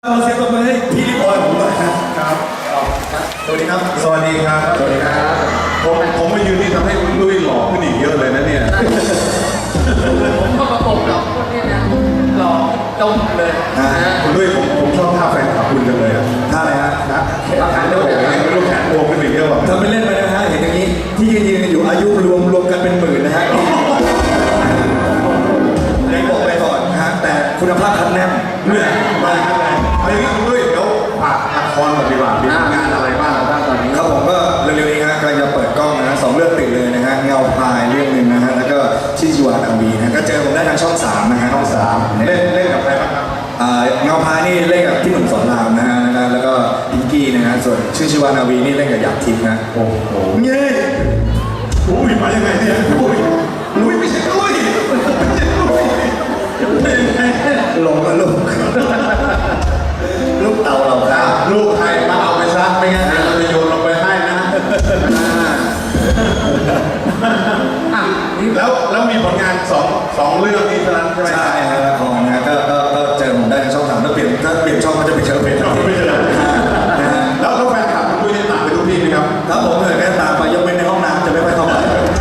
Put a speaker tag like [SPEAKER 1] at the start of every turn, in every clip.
[SPEAKER 1] เราเสียงปรบมือให้พี่ลิบอยผมหน่อยครับสวัสดีครับ
[SPEAKER 2] สวัสดีครับ
[SPEAKER 1] สวัสดีครับ
[SPEAKER 2] ผมมายืนนี่ทำให้คุณลุยหล่อขึ้นอีกเยอะเลยนะเนี่ย
[SPEAKER 3] ผมก็ประกบหล่อคนนี้นะหล่อจมเลยนะ
[SPEAKER 2] คุณลุยผมชอบท่าแฟนคลับคุณจังเลยอ่ะ
[SPEAKER 1] ท่าอะไรฮะ
[SPEAKER 2] ท่าแขนโอ้โหลูกแขนโผล่ขึ้นอีกเยอะว่ะ
[SPEAKER 1] ทำเป็นเล่นไปนะฮะเห็นอย่างนี้ที่ยืนอยู่อายุรวมกันเป็นหมื่นนะฮะได้บอกไปก่อนนะฮะแต่คุณภาพคัดแน่น
[SPEAKER 2] เมื่อมาครับอะไรอย่างนี้คุณลุยเดี๋ยวฝากละครก่อนดีกว่ามีงานอะไรบ้าง
[SPEAKER 1] ตอนนี้ครับผมก็เร็วๆนี้ฮะกำลังจะเปิดกล้องนะ2เรื่องติดเลยนะฮะเงาพายเรื่องนึงนะฮะแล้วก็ชิชิวานาวีนะก็เจอผมได้ทางช่อง3นะฮะช่อง3
[SPEAKER 2] เล่นกับใครบ้างครับ
[SPEAKER 1] เงาพายนี่เล่นกับพี่หนุ่มสอนรามนะฮะแล้วก็พิงกี้นะฮะส่วนชื่อชิวานาวีนี่เล่นกับหยาดทิพย์นะ
[SPEAKER 2] โอ้โห
[SPEAKER 1] เงี้ย
[SPEAKER 2] อุ้ยมายังไงเนี่ยอุ้ยลุยไม่ใช่ลุย
[SPEAKER 1] ลงมาลูกเต่าเราครับ
[SPEAKER 2] ลูกใครมาเอาไปซะไม่งั้นเราจะโยนลงไปให้นะแล้วมีผลงานสองเรื่องนี้เท่านั้นใช่ไหม
[SPEAKER 1] ใช่ครับละครนะก็เจอผมได้ในช่อง3ถ้าเปลี่ยนช่องก็จะไปเจอเพจเรา
[SPEAKER 2] ไม่เจอแล้วแฟนคลับคุณได้ตามไปทุกที่ไหมครับ
[SPEAKER 1] ครับผมเลยแค่ตามไปยกเว้นในห้องน้ำจะไม่ค่อยเข้าไป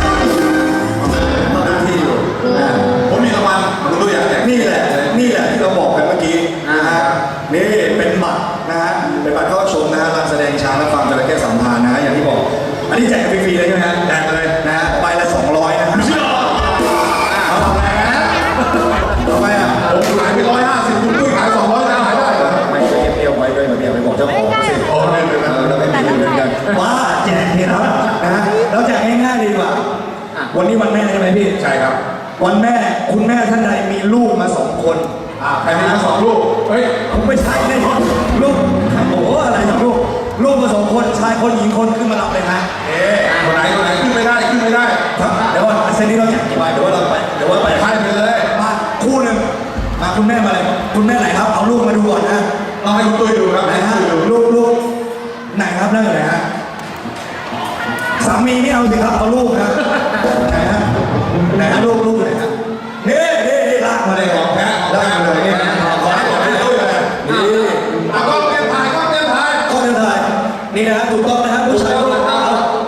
[SPEAKER 1] ทุกที่อยู่
[SPEAKER 2] ผมมีรางวัลคุณรู้อยากแจก
[SPEAKER 1] นี่แหละที่เราบอกกันเมื่อกี้นะฮะนี่เป็นบัตรนะฮะเป็นบัตรเข้าชมนะฮะการแสดงช้างและฟาร์มจระเข้สัมพันธ์นะฮะอย่างที่บอกอันนี้แจกฟรีๆเลยใช่ไหมฮะ
[SPEAKER 2] แจกเลย
[SPEAKER 1] นะฮะใบละ200นะฮะ
[SPEAKER 2] เอาแรงนะ
[SPEAKER 1] ทำไมอ่ะ
[SPEAKER 2] ผมขายไป150คุณด้วยขาย200ได้
[SPEAKER 1] ไม่ใช่เที่ยวไว้ด้วยเหมือนไปบอกเจ้าของสิ
[SPEAKER 2] โอ้ไม่เป็นไร
[SPEAKER 1] เราไม่มีเหมือนกันว้าแจกเนี่ยนะฮะเราแจกง่ายๆดีกว่าวันนี้วันแม่ใช่ไหมพี่
[SPEAKER 2] ใช่ครับ
[SPEAKER 1] วันแม่คุณแม่ท่านใดมีลูกมา2 คน
[SPEAKER 2] ใครมีมา2 ลูก
[SPEAKER 1] เฮ้ยผมไม่ใช่แน่นอนลูกโอ้โหอะไร2 ลูกมา2 คนชายคนหญิงคนขึ้นมารับเลยฮะ
[SPEAKER 2] คนไหนขึ้นไม่ได้
[SPEAKER 1] ครับเดี๋ยวว่าเซนนี้เราอยากกี่ใบเดี๋ยวว่าเราไป
[SPEAKER 2] ให้ไปเลย
[SPEAKER 1] มาคู่หนึ่งมาคุณแม่มาเลยคุณแม่ไหนครับเอาลูกมาดูก่อนนะ
[SPEAKER 2] เราให้คุณตุ้ยดูครับ
[SPEAKER 1] ไหนฮะลูกไหนครับนั่นไหนฮะสามีนี่เอาสิครับเอาลูกนะไหนฮะลูกไหนฮะนี่ลากมาเลย
[SPEAKER 2] ของแท้
[SPEAKER 1] ลากมาเลยนี่
[SPEAKER 2] ขอให้หมดให้ตุ้ยเลยนี่ก็เตรียมถ่าย
[SPEAKER 1] นี่นะถูกต้องนะฮะผู้ชายเอาลูกมา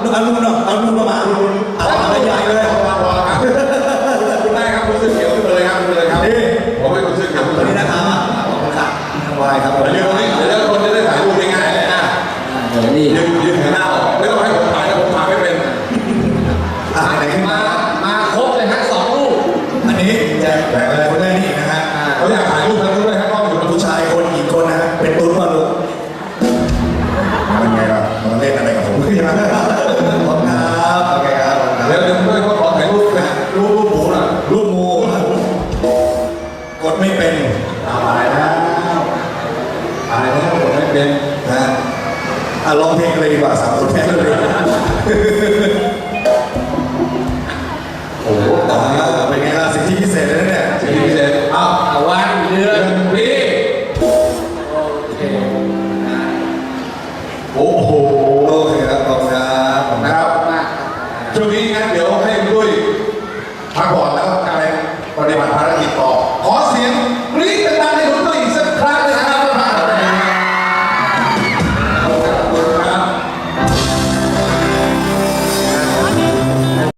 [SPEAKER 1] อะไรใหญ่เลย
[SPEAKER 2] คุณได้ครับคุณเสื้อเขียวขึ้นเลยครับนี่ผมเป็นคนเสื้อเขียว
[SPEAKER 1] นี่นะครับขอบคุณครับวายครับ
[SPEAKER 2] เดี๋ยวคนจะได้ถ่ายรูปง่าย
[SPEAKER 1] เดี๋ยวนี่
[SPEAKER 2] ยืนหันหน้าออกไม่ต้องให้ผมถ่ายนะผมถ่ายไม่เป็น
[SPEAKER 1] ไหนขึ้น
[SPEAKER 3] มาครบเลยฮะ2 ลูก
[SPEAKER 1] อันนี้แจกอะไรคนได้นี่นะฮะ
[SPEAKER 2] เขาอยากถ่ายรูปทั้งด้วยครับก็อยู่กับ
[SPEAKER 1] ผู้ชายคนหญิงคนนะฮะเป็นตุ้นมาลูก
[SPEAKER 2] เป็นไงล่ะ
[SPEAKER 1] มาเล่นอะไรกับผมพี่มาขอบครับโอเคครับ
[SPEAKER 2] เดี๋ยวด้วยเขาขอถ่ายรูปนะรูปหมูน่ะ
[SPEAKER 1] รูปหมูกดไม่เป็น
[SPEAKER 2] ตายแล้วกดไม่เป็น
[SPEAKER 1] นะร้องเพลงเลยดีกว่า3 คนแพ้เลย